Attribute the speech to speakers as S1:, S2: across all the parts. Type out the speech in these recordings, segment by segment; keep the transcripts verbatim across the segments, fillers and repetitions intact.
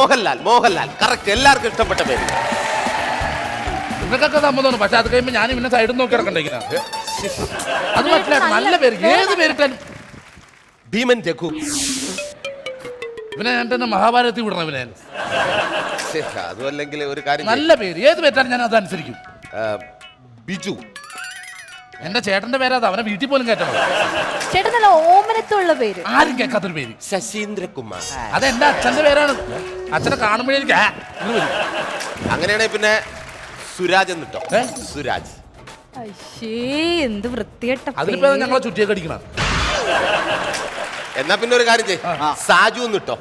S1: Mohanlal Mohanlal correct, എല്ലാവർക്കും ഇഷ്ടപ്പെട്ട പേര്.
S2: നിങ്ങൾക്കൊക്കെ സമ്മതമാണ്, പക്ഷെ അത് കഴിയുമ്പോൾ ഞാൻ പിന്നെ സൈഡിൽ നോക്കി ഇറക്കണ്ടേ? അത് പറ്റില്ല, നല്ല പേര്, ഏത് പേരിട്ടാലും.
S1: ഭീമൻ രഘു.
S2: ഇവനെ ഞാൻ തന്നെ മഹാഭാരതത്തിൽ വിടണം ഇവനെ.
S1: അതും അല്ലെങ്കിൽ ഒരു കാര്യം,
S2: നല്ല പേര് ഏത് പേരിട്ടാലും ഞാൻ അതനുസരിക്കും.
S1: ബിജു.
S2: എന്റെ ചേട്ടന്റെ പേരാ, അവനെ വീട്ടിൽ പോലും കയറ്റണം.
S3: ചേട്ടൻ നല്ല ഓമനത്തുള്ള പേര്,
S2: ആരും കേൾക്കാത്തൊരു പേര്.
S1: ശശീന്ദ്രകുമാർ.
S2: അത് എന്റെ അച്ഛന്റെ പേരാണ്. അച്ഛനെ കാണുമ്പോഴേ എനിക്ക്
S1: അങ്ങനെയാണെങ്കിൽ പിന്നെ സുരാജ് എന്നിട്ടോ? സുരാജ്.
S3: എന്ത് വൃത്തികെട്ട.
S2: അതിനിപ്പോ ഞങ്ങളെ ചുറ്റിയൊക്കെ അടിക്കണം.
S1: എന്നാ പിന്നെ ഒരു കാര്യം ചെയ്യ്, സാജു എന്നിട്ടോ?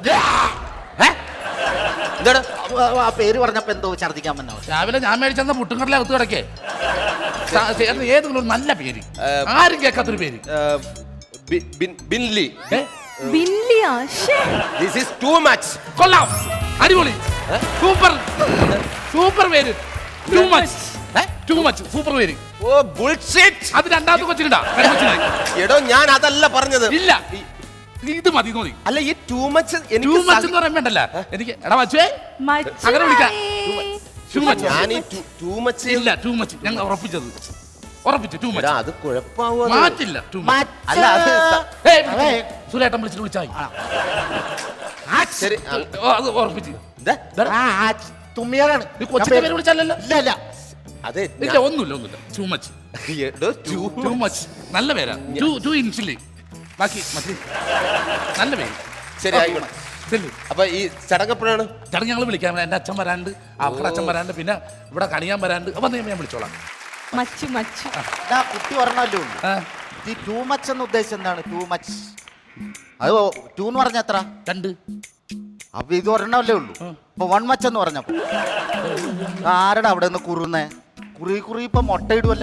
S1: എന്താണ്
S4: ആ പേര് പറഞ്ഞപ്പോ എന്തോ ഛർദിക്കാൻ പറ്റോ?
S2: രാവിലെ ഞാൻ മേടിച്ചെന്ന പുട്ടുങ്കടല അകത്ത് കിടക്കേ. ഏതെങ്കിലും ഒരു നല്ല പേര്, ആരും കേൾക്കാത്തൊരു പേര്.
S1: ബിൻലി.
S3: ബിൻലിയാ?
S1: This is too much.
S2: കൊള്ളാം, അടിപൊളി, സൂപ്പർ സൂപ്പർ പേര്. Too much too much super പേര്.
S1: Oh bullshit.
S2: അത് രണ്ടാമത്തെ കൊച്ചിനുണ്ടാ?
S1: എടോ ഞാൻ അതല്ല പറഞ്ഞത്.
S2: ഇല്ല, ഇത് മതി മതി.
S1: അല്ല ഈ ടു മച്ച്
S2: ടു മച്ച് എന്ന് പറയാൻ വേണ്ടല്ല എനിക്ക്. എടാ മച്ചുവേ, അങ്ങനെ വിളിക്കാം. ഞാൻ
S1: ടു മച്ച്
S2: ഇല്ല, ടു മച്ച് ഞങ്ങൾ ഉറപ്പിച്ചത്, ഉറപ്പിച്ചു. ടു മച്ച്
S1: അത് കുഴപ്പമാവോ?
S2: മാറ്റില്ല.
S1: അല്ല അത്
S2: സുരേട്ടൻ വിളിച്ചിട്ട് വിളിച്ചായി.
S1: ശരി,
S2: അത് ഉറപ്പിച്ചു.
S4: തുമ്മിയാണ്
S2: കൊച്ചിന്റെ പേര് വിളിച്ചല്ലോ?
S4: ഇല്ല ഇല്ല,
S2: അതെ ഇല്ല, ഒന്നുമില്ല ഒന്നുമില്ല. ടു മച്ച് ടു മച്ച് നല്ല പേരാ. ടു ടു ഇഞ്ചില് ബാക്കി മതി, നല്ല പേര്.
S1: ശരി ആയിക്കോട്ടെ. അപ്പൊ ഈ ചടങ്ങപ്പോഴാണ്?
S2: ചടങ്ങ് ഞങ്ങൾ വിളിക്കാം. എന്റെ അച്ഛൻ വരാണ്ട്, അവരുടെ അച്ഛൻ വരാണ്ട്, പിന്നെ ഇവിടെ കണിയാൻ വരാണ്ട്. അപ്പൊ ഞാൻ വിളിച്ചോളാം.
S3: മച്ചു മച്ചു
S4: കുട്ടി പറഞ്ഞല്ലോ. ഈ ടു മച്ച് എന്ന് ഉദ്ദേശിച്ചത് എന്താണ്? ടു മച്ച് അത് ടു എന്ന് പറഞ്ഞ എത്ര?
S2: രണ്ട്.
S4: അപ്പൊ ഇത് ഒരെണ്ണല്ലേ ഉള്ളൂ. അപ്പൊ വൺ മച്ച് എന്ന് പറഞ്ഞപ്പോ ആരുടെ അവിടെ നിന്ന് കുറുന്നേ? കുറി കുറി ഇപ്പൊ മുട്ടയിടുവല്ല.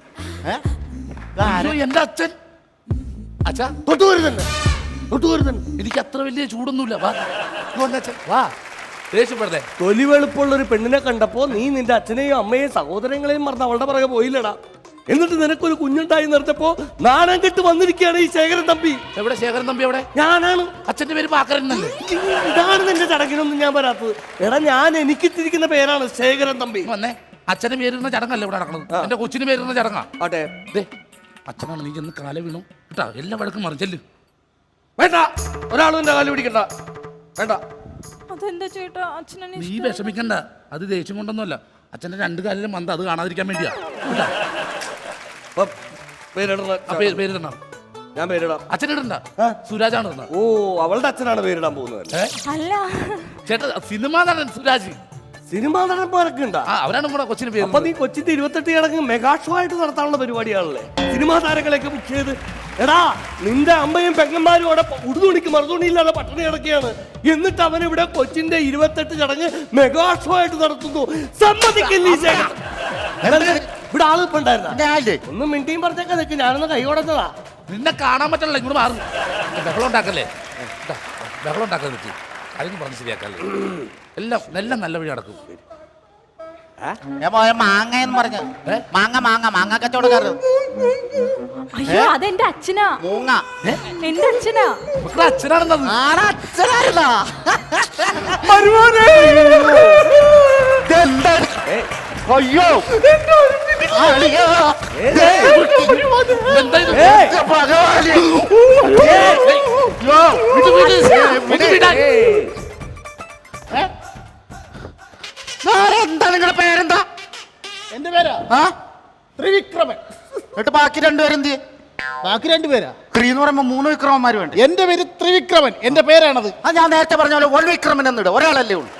S2: എന്റെ അച്ഛൻ അച്ഛാ എനിക്ക് അത്ര വലിയ ചൂടൊന്നുമില്ല. വാ വാ, ദേഷ്യപ്പെടുന്നേ.
S5: തൊലി വെളുപ്പുള്ള ഒരു പെണ്ണിനെ കണ്ടപ്പോ നീ നിന്റെ അച്ഛനെയും അമ്മയെയും സഹോദരങ്ങളെയും മറന്ന് അവളുടെ പുറകെ പോയില്ലടാ. എന്നിട്ട് നിനക്കൊരു കുഞ്ഞുണ്ടായി നിർത്തപ്പോ നാണം കെട്ട് വന്നിരിക്കുകയാണ് ഈ ശേഖരൻ തമ്പി.
S2: എവിടെ ശേഖരൻ തമ്പി? എവിടെ?
S5: ഞാനാണ്.
S2: അച്ഛന്റെ പേര് പാക്കരനല്ലേ?
S5: ഇതാണ് നിന്റെ ചടങ്ങിനൊന്നും ഞാൻ വരാത്തത്. എടാ ഞാൻ എനിക്കിട്ടിരിക്കുന്ന പേരാണ് ശേഖരൻ തമ്പി.
S2: വന്നേ, അച്ഛന്റെ പേരിടുന്ന ചടങ്ങല്ലേ ഇവിടെ നടക്കുന്നത്? എന്റെ കൊച്ചിന് പേരിടുന്ന ചടങ്ങാ.
S5: അതെ,
S2: അച്ഛനാണ്. നീ ചെന്ന് കാല വീണു കേട്ടാ, എല്ലാ വഴക്കും മറിച്ചല്ലേ.
S5: വേണ്ട, ഒരാളും എന്റെ കാല് പിടിക്കണ്ട. വേണ്ട.
S3: അതെന്താ ചേട്ടാ അച്ഛനെ?
S2: നീ വിഷമിക്കണ്ട, അത് ദേഷ്യം കൊണ്ടൊന്നുമല്ല. അച്ഛന്റെ രണ്ട് കാലിലും മന്ത, അത് കാണാതിരിക്കാൻ വേണ്ടിയാ കേട്ടാ. പേരിടണം.
S5: ഞാൻ പേരിടാം.
S2: അച്ഛനിടണ്ട, സുരാജാണ് ഇടുന്നത്.
S5: ഓ, അവളുടെ അച്ഛനാണ് പേരിടാൻ പോകുന്നത്.
S3: അല്ല
S2: ചേട്ടാ, സിനിമാ നടൻ സുരാജ്.
S5: സിനിമാ നടന്മാരൊക്കെ ഉണ്ടാ?
S2: അവരാണ് നമ്മുടെ കൊച്ചിന് പേര്.
S5: അപ്പൊ നീ കൊച്ചിന്റെ ഇരുപത്തെട്ട് ചടങ്ങ് മെഗാ ഷോ ആയിട്ട് നടത്താനുള്ള പരിപാടിയാണല്ലേ? സിനിമാ താരങ്ങളെയൊക്കെ ബുക്ക് ചെയ്ത്. എടാ നിന്റെ അമ്മയും പെങ്ങന്മാരും അവിടെ ഉടുതുണിക്ക് മറുതുണിയില്ലാതെ പട്ടണി കിടക്കുകയാണ്. എന്നിട്ട് അവൻ ഇവിടെ കൊച്ചിന്റെ ഇരുപത്തെട്ട് ചടങ്ങ് മെഗാ ഷോ ആയിട്ട് നടത്തുന്നു. സമ്മതിക്കില്ല ഈ ശേഖരൻ. ഇവിടെ ആള് ഇപ്പൊ ഉണ്ടായിരുന്ന ഒന്നും മിണ്ടിയും പറഞ്ഞേക്കാ നിൽക്കും. ഞാനൊന്ന് കൈ കൊടുത്തതാ.
S2: നിന്നെ കാണാൻ പറ്റണല്ലോ, ഇങ്ങോട്ട് മാറും. ബഹളം ഉണ്ടാക്കല്ലേ, ബഹളം ഉണ്ടാക്കാൻ പറ്റി. അതൊന്നും പറഞ്ഞ് ശരിയാക്കല്ലേ. എല്ലാം എല്ലാം നല്ല വഴി നടക്കും.
S4: മാങ്ങ എന്ന് പറഞ്ഞ മാങ്ങ മാങ്ങ മാങ്ങ കച്ചവടക്കാരൻ.
S3: അയ്യോ അതെന്റെ അച്ഛനാ.
S4: മൂങ്ങ
S3: എന്റെ അച്ഛനാ.
S2: അച്ഛനാണെന്നത്.
S4: അച്ഛനായിരുന്നാ? അയ്യോ എന്താ നിങ്ങളുടെ പേരെന്താ?
S6: എന്റെ പേരാ ത്രിവിക്രമൻ.
S4: എന്നിട്ട് ബാക്കി രണ്ടുപേരെന്ത്?
S6: ബാക്കി രണ്ടുപേരാ.
S4: ത്രീ എന്ന് പറയുമ്പോ മൂന്ന് വിക്രമന്മാര് വേണ്ട.
S6: എന്റെ പേര് ത്രിവിക്രമൻ, എന്റെ പേരാണത്.
S4: ആ ഞാൻ നേരത്തെ പറഞ്ഞ പോലെ വൺ വിക്രമൻ എന്നിട ഒരാളല്ലേ ഉള്ളൂ.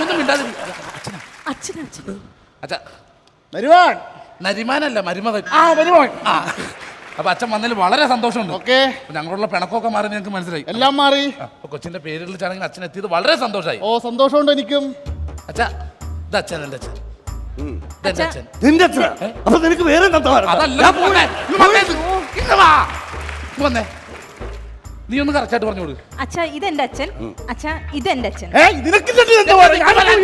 S6: വരുവാൻ
S2: നരിമാനല്ല, മരുമകൻ.
S6: ആ വരുവാൻ.
S2: അപ്പൊ അച്ഛൻ വന്നതിൽ വളരെ സന്തോഷമുണ്ട്.
S6: ഓക്കെ,
S2: ഞങ്ങളുള്ള പിണക്കൊക്കെ മാറി ഞങ്ങൾക്ക് മനസ്സിലായി.
S6: എല്ലാം മാറി.
S2: കൊച്ചിന്റെ പേരിൽ ചടങ്ങിൽ അച്ഛൻ എത്തിയത് വളരെ സന്തോഷമായി.
S6: ഓ സന്തോഷമുണ്ട് എനിക്കും.
S2: അച്ഛാ ഇത് അച്ഛൻ, എന്റെ അച്ഛൻ. അച്ഛൻ
S5: നിന്റെ അച്ഛനാ? അപ്പൊ നിനക്ക് വേറെ
S2: വന്നേ, നീ ഒന്ന് കറക്റ്റായിട്ട് പറഞ്ഞോളൂ.
S3: അച്ഛാ ഇതെന്റെ അച്ഛൻ. അച്ഛാ ഇതെന്റെ അച്ഛൻ.
S6: നിനക്ക്